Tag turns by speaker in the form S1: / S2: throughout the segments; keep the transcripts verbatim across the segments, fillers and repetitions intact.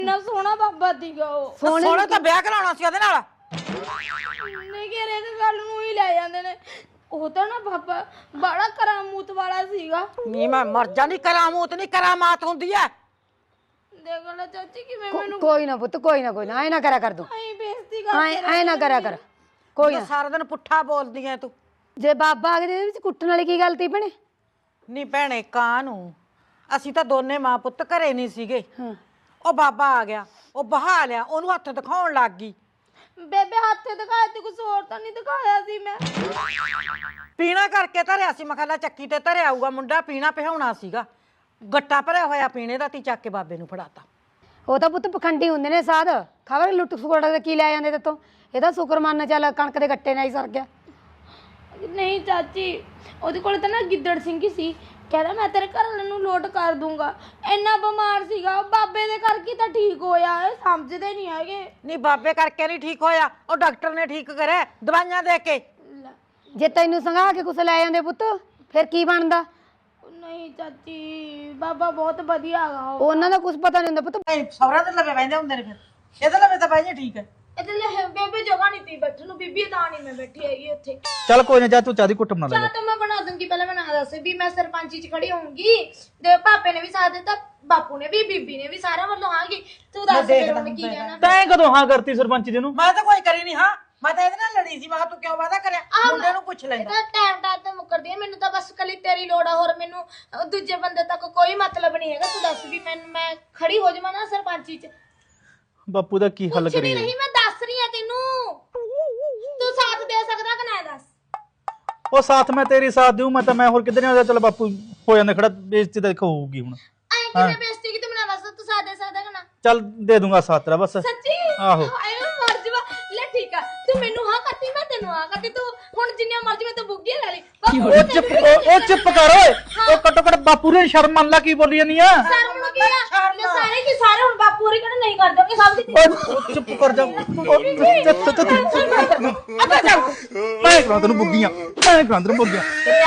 S1: ਇੰਨਾ ਸੋਹਣਾ ਬਾਬਾ ਸੀਗਾ ਉਹ।
S2: ਸੋਹਣਾ ਤਾਂ ਵਿਆਹ ਕਰਾਉਣਾ ਸੀ ਉਹਦੇ ਨਾਲ।
S1: ਨਹੀਂ ਕਿ ਰੇਕ ਗੱਲ ਨੂੰ ਹੀ ਲੈ ਜਾਂਦੇ ਨੇ। ਉਹ ਤਾਂ ਨਾ ਬਾਬਾ ਬੜਾ ਕਰਾਮੂਤ ਵਾਲਾ ਸੀਗਾ।
S2: ਨਹੀਂ ਮੈਂ ਮਰ ਜਾਂਦੀ, ਕਰਾਮੂਤ ਨਹੀਂ ਕਰਾਮਾਤ ਹੁੰਦੀ ਐ।
S1: ਦੇਖ ਲੈ ਚਾਚੀ ਕਿਵੇਂ ਮੈਨੂੰ
S3: ਕੋਈ ਨਾ ਪੁੱਤ, ਕੋਈ ਨਾ ਕੋਈ ਨਾ, ਐ ਨਾ ਕਰਿਆ ਕਰ ਤੂੰ,
S1: ਐਂ ਬੇਇੱਜ਼ਤੀ
S3: ਐ
S1: ਕਰਦੇ
S3: ਐ ਨਾ ਕਰਿਆ ਕਰ, ਕੋਈ ਨਾ।
S2: ਸਾਰਾ ਦਿਨ ਪੁੱਠਾ ਬੋਲਦੀ ਐ ਤੂੰ।
S3: ਜੇ ਬਾਬਾ ਆ ਗਿਆ ਇਹਦੇ ਵਿੱਚ ਕੁੱਟਣ ਵਾਲੀ ਕੀ ਗੱਲ ਤੀ ਭੈਣੇ?
S2: ਨਹੀਂ ਭੈਣੇ ਕਾਂ ਨੂੰ ਅਸੀਂ ਤਾਂ ਦੋਨੇ ਮਾਂ ਪੁੱਤ ਘਰੇ ਨਹੀਂ ਸੀਗੇ।
S3: ਹਾਂ
S2: ਉਹ ਬਾਬਾ ਆ ਗਿਆ, ਉਹ ਬਹਾ ਲਿਆ, ਉਹਨੂੰ ਹੱਥ ਦਿਖਾਉਣ ਲੱਗ ਗਈ।
S1: ਬੇਬੇ ਹੱਥੇ ਦਿਖਾਇਆ ਤੇ ਕੁਝ ਹੋਰ ਤਾਂ ਨਹੀਂ ਦਿਖਾਇਆ ਸੀ ਮੈਂ।
S2: ਪੀਣਾ ਕਰਕੇ ਧਰਿਆ ਸੀ, ਮਖਾਲਾ ਚੱਕੀ ਤੇ ਧਰਿਆ ਆਊਗਾ ਮੁੰਡਾ, ਪੀਣਾ ਪਿਹਾਉਣਾ ਸੀਗਾ। ਗੱਟਾ ਭਰਿਆ ਹੋਇਆ ਪੀਣੇ ਦਾ ਤੀ, ਚੱਕ ਕੇ ਬਾਬੇ ਨੂੰ ਫੜਾਤਾ।
S3: ਉਹ ਤਾਂ ਪੁੱਤ ਪਖੰਡੀ ਹੁੰਦੇ ਨੇ ਸਾਧ, ਖਬਰ ਲੁੱਟ ਖੋੜ ਦੇ ਕੀ ਲੈ ਜਾਂਦੇ ਤੇਤੋਂ। ਇਹਦਾ ਸ਼ੁਕਰ ਮੰਨ ਚੱਲ ਕਣਕ ਦੇ ਗੱਟੇ ਨਾਲ ਹੀ ਸਰ ਗਿਆ।
S1: ਨਹੀਂ ਚਾਚੀ, ਉਹਦੇ ਕੋਲ ਤਾਂ ਨਾ ਗਿੱਦੜ ਸਿੰਘ ਹੀ ਸੀ। ਕਹਿੰਦਾ ਮੈਂ ਤੇਰੇ ਘਰ ਵਾਲੇ ਨੂੰ ਲੋਟ ਕਰ ਦੂੰਗਾ। ਇੰਨਾ ਬਿਮਾਰ ਸੀਗਾ ਉਹ, ਬਾਬੇ ਦੇ ਕਰਕੇ ਤਾਂ ਠੀਕ ਹੋਇਆ। ਇਹ ਸਮਝਦੇ ਨਹੀਂ ਹੈਗੇ।
S2: ਨਹੀਂ ਬਾਬੇ ਕਰਕੇ ਨਹੀਂ ਠੀਕ ਹੋਇਆ, ਉਹ ਡਾਕਟਰ ਨੇ ਠੀਕ ਕਰਿਆ ਦਵਾਈਆਂ ਦੇ ਕੇ।
S3: ਜੇ ਤੈਨੂੰ ਸੰਘਾ ਕੇ ਕੁਛ ਲੈ ਜਾਂਦੇ ਪੁੱਤ ਫਿਰ ਕੀ ਬਣਦਾ?
S1: ਨਹੀਂ ਚਾਚੀ, ਬਾਬਾ ਬਹੁਤ ਵਧੀਆ ਹੈਗਾ ਉਹ।
S3: ਉਹਨਾਂ ਦਾ ਕੁਝ ਪਤਾ ਨਹੀਂ ਹੁੰਦਾ ਪੁੱਤ।
S2: ਸੌਰਾ ਦੇ ਲਵੇ ਬੈਂਦੇ ਹੁੰਦੇ ਨੇ, ਫਿਰ ਇਹਦੇ ਲਵੇ ਤਾਂ ਬਾਈਆਂ ਠੀਕ ਹੈ।
S1: ਇਹਦੇ ਲਈ ਬੇਬੇ ਜਗ੍ਹਾ ਨਹੀਂ ਤੀ ਬੈਠਣ ਨੂੰ, ਬੀਬੀ ਤਾਂ ਨਹੀਂ ਮੈਂ ਬੈਠੀ ਹੈਗੀ ਉੱਥੇ।
S4: ਚੱਲ ਕੋਈ ਨਾ, ਜਾ ਤੂੰ ਚਾਹ ਦੀ ਕੁੱਟ ਬਣਾ ਲੈ।
S1: ਚਾਹ ਤਾਂ ਮੈਂ ਬਣਾ ਦੂੰਗੀ, ਪਹਿਲਾਂ ਮੈਂ ਨਾ ਦੱਸ ਵੀ ਮੈਂ ਸਰਪੰਚੀ ਚ ਖੜੀ ਹੋਊਂਗੀ ਤੇ ਪਾਪੇ ਨੇ ਵੀ ਸਾਥ ਦਿੱਤਾ, ਬਾਪੂ ਨੇ ਵੀ, ਬੀਬੀ ਨੇ ਵੀ, ਸਾਰਿਆਂ ਵੱਲੋਂ ਆਂਗੀ। ਤੂੰ ਦੱਸ ਫਿਰ ਹੁਣ ਕੀ ਕਹਿਣਾ?
S4: ਤੈਂ ਕਦੋਂ ਹਾਂ ਕਰਤੀ ਸਰਪੰਚ ਜੀ ਨੂੰ?
S2: ਮੈਂ ਤਾਂ ਕੋਈ ਕਰੀ ਨਹੀਂ। ਹਾਂ ਮੈਂ ਤਾਂ ਇਹਦੇ ਨਾਲ ਲੜੀ ਸੀ। ਮੈਂ ਕਿਹਾ ਤੂੰ ਕਿਉਂ ਵਾਦਾ ਕਰਿਆ, ਮੁੰਡੇ ਨੂੰ ਪੁੱਛ ਲੈਂਦਾ।
S1: ਇਹਦਾ ਟਾਈਮ ਟਾਈਮ ਤੇ ਮੁੱਕਰਦੀ ਹੈ। ਮੈਨੂੰ ਤਾਂ ਬਸ ਕੱਲੀ ਤੇਰੀ ਲੋੜ ਆ, ਹੋਰ ਮੈਨੂੰ ਅਹ, ਦੂਜੇ ਬੰਦੇ ਤੱਕ ਕੋਈ ਮਤਲਬ ਨਹੀਂ ਹੈਗਾ। ਤੂੰ ਦੱਸ ਵੀ ਮੈਨੂੰ ਮੈਂ ਖੜੀ ਹੋ ਜਾਵਾਂ ਨਾ ਸਰਪੰਚੀ ਚ?
S4: ਬਾਪੂ ਦਾ ਕੀ ਹੱਲ
S1: ਕੁਛ ਨਹੀਂ
S4: ਕਰੀਏ?
S1: ਨਹੀਂ, ਮੈਂ ਦੱਸ ਰਹੀ ਆ ਤੈਨੂੰ। ਤੂੰ ਸਾਥ ਦੇ ਸਕਦਾ ਕਿ ਨਾ? ਦੱਸ।
S4: ਉਹ ਸਾਥ ਮੈਂ ਤੇਰੀ ਸਾਥ ਦੇਉ, ਮੈਂ ਤਾਂ ਮੈਂ ਹੋਰ ਕਿੱਧਰ ਨਹੀਂ ਆਉਂਦਾ। ਚੱਲ ਬਾਪੂ ਹੋ ਜਾਂਦਾ ਖੜਾ, ਬੇਇੱਜ਼ਤੀ ਤਾਂ ਦੇਖੋ ਹੋਊਗੀ ਹੁਣ।
S1: ਐਂ ਕਿਵੇਂ ਬੇਇੱਜ਼ਤੀ ਕੀਤੀ? ਮੈਨੂੰ ਦੱਸ, ਤੂੰ ਸਾਥ ਦੇ ਸਕਦਾ ਕਿ ਨਾ?
S4: ਚੱਲ ਦੇ ਦੂੰਗਾ ਸਾਥ ਤੇਰਾ ਬਸ।
S1: ਸੱਚੀ?
S4: ਆਹੋ।
S1: ਆਏ ਮੈਂ ਮਰ ਜਾਵਾਂ। ਲੈ ਠੀਕ ਆ, ਤੂੰ ਮੈਨੂੰ ਹਾਂ ਕਰਤੀ, ਮੈਂ ਤੈਨੂੰ ਹਾਂ ਕਰਤੀ। ਤੂੰ ਹੁਣ ਜਿੰਨੀਆਂ ਮਰਜ਼ੀ ਮੈਂ ਤਾਂ ਬੁੱਗੀਆਂ ਲੈ ਲਈ।
S4: ਉਹ ਚੁੱਪ ਉਹ ਉਹ ਚੁੱਪ ਕਰ ਓਏ। ਉਹ ਘੱਟੋ ਘੱਟ ਬਾਪੂ ਨੇ ਸ਼ਰਮ ਮੰਨ ਲਾ ਕੀ ਬੋਲੀ ਜਾਨੀ ਆ।
S1: ਸ਼ਰਮ ਨੂੰ ਕੀ ਆ? ਲੈ ਸਾਰੇ ਕੀ ਸਾਰੇ ਹੁਣ ਬਾਪੂ ਹੋਰੀ ਕਹਿੰਦੇ ਨਹੀਂ ਕਰ ਦੋਗੇ ਸਭ ਦੀ।
S4: ਓਏ ਉਹ ਚੁੱਪ ਕਰ ਜਾ। ਮੈਂ ਕਰਾਂ ਤੈਨੂੰ ਬੁੱਗੀਆਂ, ਮੈਂ ਕਰਾਂ ਤੈਨੂੰ ਬੁੱਗੀਆਂ।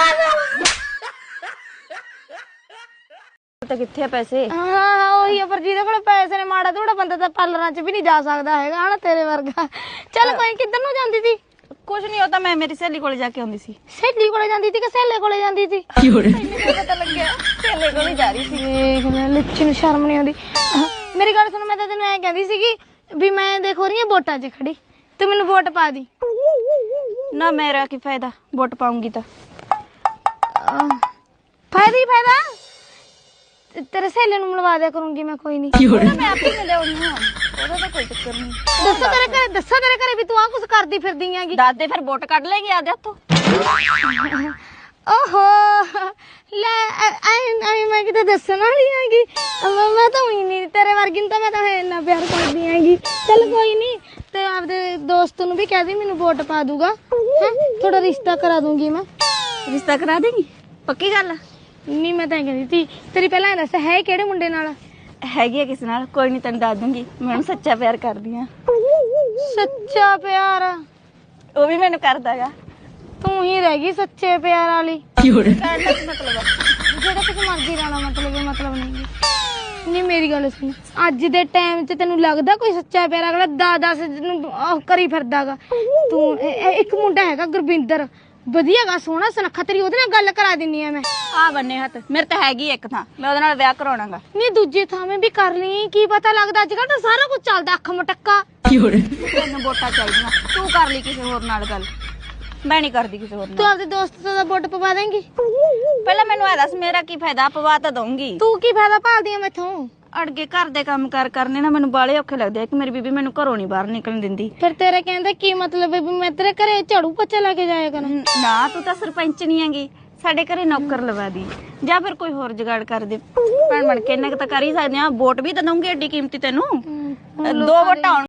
S3: ਤਾਂ ਕਿੱਥੇ ਆ ਪੈਸੇ?
S1: ਹਾਂ ਹਾਂ ਉਹੀ ਆ, ਪਰ ਜਿਹਦੇ ਕੋਲ ਪੈਸੇ ਨੇ, ਮਾੜਾ ਥੋੜਾ ਬੰਦਾ ਤਾਂ ਪਾਰਲਰਾਂ 'ਚ ਵੀ ਨਹੀਂ ਜਾ ਸਕਦਾ ਹੈਗਾ ਹਨਾ, ਤੇਰੇ ਵਰਗਾ। ਚੱਲ ਕੋਈ ਕਿੱਧਰ ਨੂੰ ਜਾਂਦੀ ਸੀ?
S5: ਕੁਛ ਨਹੀਂ, ਉਹ ਤਾਂ ਮੈਂ ਮੇਰੀ ਸਹੇਲੀ ਕੋਲੇ ਜਾ ਕੇ ਆਉਂਦੀ ਸੀ।
S1: ਸਹੇਲੀ ਕੋਲੇ ਜਾਂਦੀ ਸੀ ਕਿ ਸਹੇਲੇ ਕੋਲੇ ਜਾਂਦੀ ਸੀ?
S5: ਮੈਨੂੰ ਪਤਾ ਲੱਗਿਆ ਸਹੇਲੇ ਕੋਲੇ ਜਾ ਰਹੀ ਸੀ।
S1: ਦੇਖ ਲੈ, ਲੱਛੀ ਨੂੰ ਸ਼ਰਮ ਨਹੀਂ ਆਉਂਦੀ। ਮੇਰੀ ਗੱਲ ਸੁਣ, ਮੈਂ ਤਾਂ ਤੈਨੂੰ ਐਂ ਕਹਿੰਦੀ ਸੀਗੀ ਵੀ ਮੈਂ ਦੇਖੋ ਰਹੀ ਆ ਵੋਟਾਂ 'ਚ ਖੜੀ, ਤੂੰ ਮੈਨੂੰ ਵੋਟ ਪਾ ਦੀ।
S5: ਨਾ ਮੇਰਾ ਕੀ ਫਾਇਦਾ, ਵੋਟ ਪਾਉਂਗੀ ਤਾਂ।
S1: ਫਾਇਦਾ ਹੀ ਫਾਇਦਾ, ਤੇਰੇ ਸਹੇਲੇ ਨੂੰ ਮਿਲਵਾ ਦਿਆ ਕਰੂੰਗੀ ਮੈਂ। ਕੋਈ ਨਹੀਂ,
S5: ਮੈਂ ਆਪੇ ਮਿਲਿਆਉਣੀ ਹਾਂ, ਉਹਦਾ ਤਾਂ ਕੋਈ ਚੱਕਰ ਨਹੀਂ।
S1: ਦੱਸੋ ਤੇਰੇ ਘਰੇ, ਦੱਸੋ ਤੇਰੇ ਘਰੇ ਵੀ ਤੂੰ ਆ ਕੁਛ ਕਰਦੀ ਫਿਰਦੀ ਆਂਗੀ।
S5: ਦੱਸ ਦੇ ਫਿਰ, ਵੋਟ ਕੱਢ ਲੈਗੀ ਆਦੇ ਹੱਥੋਂ।
S1: ਓਹੋ ਲੈ, ਐ ਮੈਂ ਕਿਤੇ ਦੱਸਣ ਵਾਲੀ ਆਂਗੀ। ਮੈਂ ਤਾਂ ਉਹੀ ਨਹੀਂ, ਤੇਰੇ ਵਰਗੀ ਨੂੰ ਤਾਂ ਮੈਂ ਤਾਂ ਇੰਨਾ ਪਿਆਰ ਕਰਦੀ ਆਂਗੀ। ਚੱਲ ਕੋਈ ਨਹੀਂ, ਤੇ ਆਪਦੇ ਦੋਸਤ ਨੂੰ ਵੀ ਕਹਿ ਦੇ ਮੈਨੂੰ ਵੋਟ ਪਾ ਦੂਗਾ। ਥੋੜਾ ਰਿਸ਼ਤਾ ਕਰਾ ਦੂੰਗੀ ਮੈਂ।
S5: ਰਿਸ਼ਤਾ ਕਰਾ ਦੇਗੀ? ਪੱਕੀ ਗੱਲ?
S1: ਨਹੀਂ ਮੈਂ ਤਾਂ ਕਹਿੰਦੀ ਸੀ, ਤੇਰੀ ਪਹਿਲਾਂ ਇਹ ਦੱਸ ਹੈ ਕਿਹੜੇ ਮੁੰਡੇ ਨਾਲ?
S5: ਹੈਗੀ ਆ ਕਿਸੇ ਨਾਲ, ਕੋਈ ਨਹੀਂ ਤੈਨੂੰ ਦੱਸ ਦੂੰਗੀ। ਮੈਂ ਉਹਨੂੰ ਸੱਚਾ ਪਿਆਰ ਕਰਦੀ ਆ।
S1: ਸੱਚਾ ਪਿਆਰ?
S5: ਉਹ ਵੀ ਮੈਨੂੰ ਕਰਦਾਗਾ।
S1: ਤੂੰ ਹੀ ਰਹਿ ਗਈ ਸੱਚੇ ਪਿਆਰ ਵਾਲੀ।
S5: ਕਹਿਣ ਦਾ ਕੀ ਮਤਲਬ ਆ?
S1: ਜਿਹੜਾ ਕੁਝ ਮਰਜ਼ੀ ਰਹਿਣਾ, ਮਤਲਬ ਇਹ ਮਤਲਬ ਨਹੀਂ। ਨਹੀਂ ਮੇਰੀ ਗੱਲ ਸੁਣ, ਅੱਜ ਦੇ ਟਾਈਮ 'ਚ ਤੈਨੂੰ ਲੱਗਦਾ ਕੋਈ ਸੱਚਾ ਪਿਆਰ ਅਗਲਾ ਦਸ ਦਸ ਨੂੰ ਉਹ ਕਰੀ ਫਿਰਦਾਗਾ? ਤੂੰ ਇੱਕ ਮੁੰਡਾ ਹੈਗਾ ਗੁਰਵਿੰਦਰ, ਵਧੀਆ ਗਾ, ਸੋਹਣਾ ਸੁਨੱਖਾ, ਤੇਰੀ ਉਹਦੇ ਨਾਲ ਗੱਲ ਕਰਾ ਦਿੰਨੀ ਆ ਮੈਂ।
S5: ਆ ਬੰਨੇ ਹੱਥ, ਮੇਰੇ ਤਾਂ ਹੈਗੀ ਇੱਕ ਥਾਂ, ਮੈਂ ਉਹਦੇ ਨਾਲ ਵਿਆਹ ਕਰਾਉਣਾਗਾ।
S1: ਨਹੀਂ ਦੂਜੀ ਥਾਵੇਂ ਵੀ ਕਰ ਲਈ, ਕੀ ਪਤਾ ਲੱਗਦਾ ਅੱਜ ਕੱਲ੍ਹ ਤਾਂ ਸਾਰਾ ਕੁਝ ਚੱਲਦਾ ਅੱਖ ਮਟੱਕਾ।
S5: ਤੈਨੂੰ ਵੋਟਾਂ ਚਾਹੀਦੀਆਂ, ਤੂੰ ਕਰ ਲਈ ਕਿਸੇ ਹੋਰ ਨਾਲ ਗੱਲ, ਮੈਂ ਨਹੀਂ ਕਰਦੀ ਕਿਸੇ ਹੋਰ
S1: ਤੂੰ
S5: ਨਾਲ।
S1: ਆਪਦੇ ਦੋਸਤ ਦਾ ਵੋਟ ਪਵਾ ਦੇਂਗੀ?
S5: ਪਹਿਲਾਂ ਮੈਨੂੰ ਇਹ ਦੱਸ, ਮੇਰਾ ਕੀ ਫਾਇਦਾ? ਪਵਾ ਤਾਂ ਦਊਂਗੀ।
S1: ਤੂੰ ਕੀ ਫਾਇਦਾ ਭਾਲਦੀ ਆ ਮੈਥੋਂ?
S5: ਅੜਗੇ ਘਰ ਦੇ ਕੰਮ ਕਾਰ ਕਰਨੇ ਨਾ ਮੈਨੂੰ ਬਾਲੇ ਔਖੇ ਲੱਗਦੇ ਆ ਕਿ ਮੇਰੀ ਬੀਬੀ ਮੈਨੂੰ ਘਰੋਂ ਨਹੀਂ ਬਾਹਰ ਨਿਕਲਣ ਦਿੰਦੀ।
S1: ਫਿਰ ਤੇਰੇ ਕਹਿੰਦਾ ਕੀ ਮਤਲਬ ਹੈ ਵੀ ਮੈਂ ਤੇਰੇ ਘਰੇ ਝਾੜੂ ਪੋਚਾ ਲਾ ਕੇ ਜਾਇਆ ਕਰਾਂ?
S5: ਨਾ ਤੂੰ ਤਾਂ ਸਰਪੰਚ ਨਹੀਂ ਹੈਗੀ, ਸਾਡੇ ਘਰੇ ਨੌਕਰ ਲਵਾ ਦੀ, ਜਾਂ ਫਿਰ ਕੋਈ ਹੋਰ ਜੁਗਾੜ ਕਰ ਦੇ। ਭੈਣ ਬਣ ਕੇ ਇੰਨਾ ਕੁ ਤਾਂ ਕਰ ਹੀ ਸਕਦੇ ਆ। ਵੋਟ ਵੀ ਤਾਂ ਦਊਂਗੀ, ਏਡੀ ਕੀਮਤੀ ਤੈਨੂੰ। ਦੋ ਵੋਟਾਂ